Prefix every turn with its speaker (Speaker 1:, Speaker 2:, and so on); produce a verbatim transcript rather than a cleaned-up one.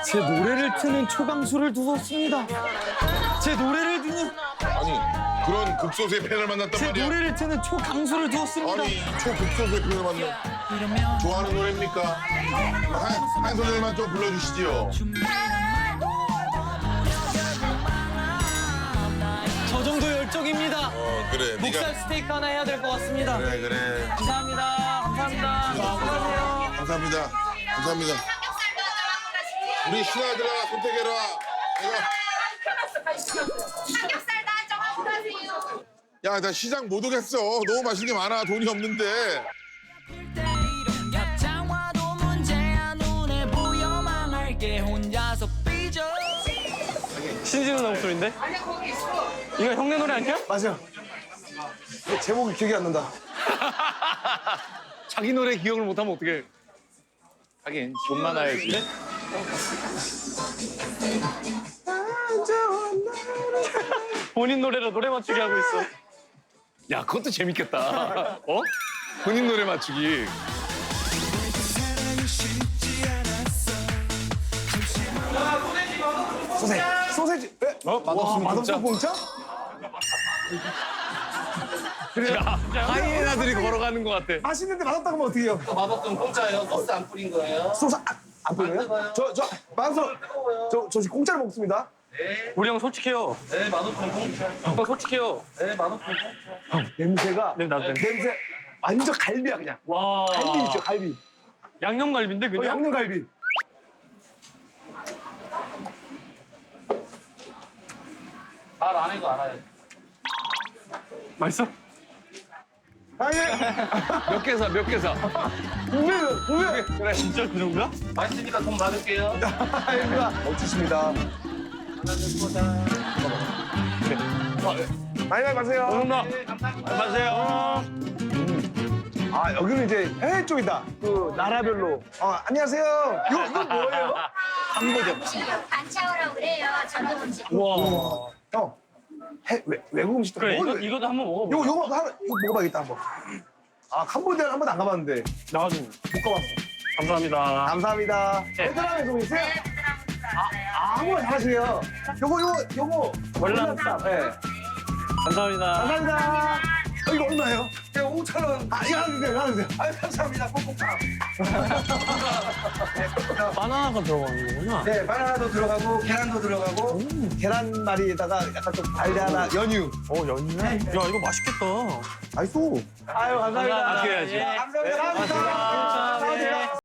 Speaker 1: 제 노래를 트는 초강수를 두었습니다. 제 노래를 듣는
Speaker 2: 아니 그런 극소수의 팬을 만났단
Speaker 1: 제
Speaker 2: 말이야.
Speaker 1: 노래를 트는 초강수를 두었습니다.
Speaker 2: 아니 초극소수의 팬을 만나. 좋아하는 노래입니까? 한, 한 소절만 좀 불러주시지요.
Speaker 1: 저 정도 열정입니다.
Speaker 2: 어 그래.
Speaker 1: 목살 스테이크 하나 해야 될 것 같습니다.
Speaker 2: 그래 그래.
Speaker 1: 감사합니다. 감사합니다. 안녕하세요.
Speaker 2: 감사합니다. 감사합니다. 우리 신하들아 선택해라. 내가
Speaker 3: 삼겹살 다 정하고 가세요.
Speaker 2: 야 나 시장 못 오겠어. 너무 맛있는 게 많아. 돈이 없는데.
Speaker 4: 겹장화도 문제야 눈에 보여 망할게 혼자서 삐져
Speaker 1: 신진우 나 목소리인데?
Speaker 3: 아니야 거기 있어.
Speaker 1: 이거 형네 노래 아니야?
Speaker 5: 맞아. 제목이 기억이 안 난다.
Speaker 1: 자기 노래 기억을 못하면 어떡해. 하긴 돈 많아야지. 본인 노래로 노래 맞추기 하고 있어. 야, 그것도 재밌겠다. 어? 본인 노래 맞추기.
Speaker 5: 소세지. 소세지. 네?
Speaker 1: 어?
Speaker 5: 와, 맛없어 공짜?
Speaker 1: 하이에나들이 걸어가는 것 같아.
Speaker 5: 맛있는데 맛없다고 하면 어떻게 해요?
Speaker 6: 맛없으면 공짜예요. 소스 안 뿌린 거예요.
Speaker 5: 소스 안, 안 뿌려요? 저, 저, 만서, 저, 저 지금 공짜로 먹습니다.
Speaker 1: 우리 형 솔직해요.
Speaker 6: 네, 맛없으면 공짜.
Speaker 1: 형 솔직해요.
Speaker 6: 네, 맛없으면 공짜.
Speaker 5: 냄새가,
Speaker 1: 네, 나도 냄새.
Speaker 5: 냄새 완전 갈비야, 그냥.
Speaker 1: 와.
Speaker 5: 갈비 있죠, 갈비.
Speaker 1: 양념갈비인데
Speaker 5: 어,
Speaker 1: 그냥?
Speaker 5: 양념갈비.
Speaker 6: 말 안 해도 알아요.
Speaker 1: 맛있어?
Speaker 5: 아니,
Speaker 1: 몇 개 사, 몇 개 사.
Speaker 5: 오면, 오면.
Speaker 1: 그래, 진짜 그 정도야?
Speaker 6: 맛있으니까 돈 받을게요.
Speaker 5: 아닙니다. 멋지십니다. 많이 많이 마세요.
Speaker 1: 감사합니다.
Speaker 6: 네, 감사합니다.
Speaker 1: 안녕하세요.
Speaker 5: 아, 여기는 이제 해외 쪽이다. 그 나라별로. 어, 안녕하세요. 이거, 이거 뭐예요?
Speaker 3: 반차오라고 그래요. 전통 음식.
Speaker 1: 와.
Speaker 5: 형, 해, 외, 외국 음식도
Speaker 1: 그래,
Speaker 5: 먹어요.
Speaker 1: 이거, 이것도 한번 먹어봐.
Speaker 5: 요거, 요거 하나, 이거 먹어봐야겠다, 한번. 아, 캄보디아는 한 번도 안 가봤는데.
Speaker 1: 나가지고.
Speaker 5: 못 가봤어.
Speaker 1: 감사합니다.
Speaker 5: 감사합니다.
Speaker 1: 네.
Speaker 5: 베트남에서 오세요?
Speaker 3: 네, 베트남
Speaker 5: 아, 한번 잘하시네요. 요거, 요거, 요거.
Speaker 1: 월남쌈.
Speaker 5: 네.
Speaker 1: 감사합니다.
Speaker 5: 감사합니다. 어, 이거 얼마예요?
Speaker 6: 네, 오천 원.
Speaker 5: 아, 이거 하나 주세요, 이거 하나 주세요.
Speaker 6: 아유, 감사합니다. 콩콩탕.
Speaker 1: 바나나가 들어가는 거구나.
Speaker 6: 네, 바나나도 들어가고 계란도 들어가고.
Speaker 5: 계란말이에다가 약간 좀 달달한 연유.
Speaker 1: 어, 연유? 야, 이거 맛있겠다.
Speaker 5: 맛있어. 아유, 감사합니다.
Speaker 1: 아껴야지.
Speaker 6: 감사합니다.
Speaker 5: 감사합니다.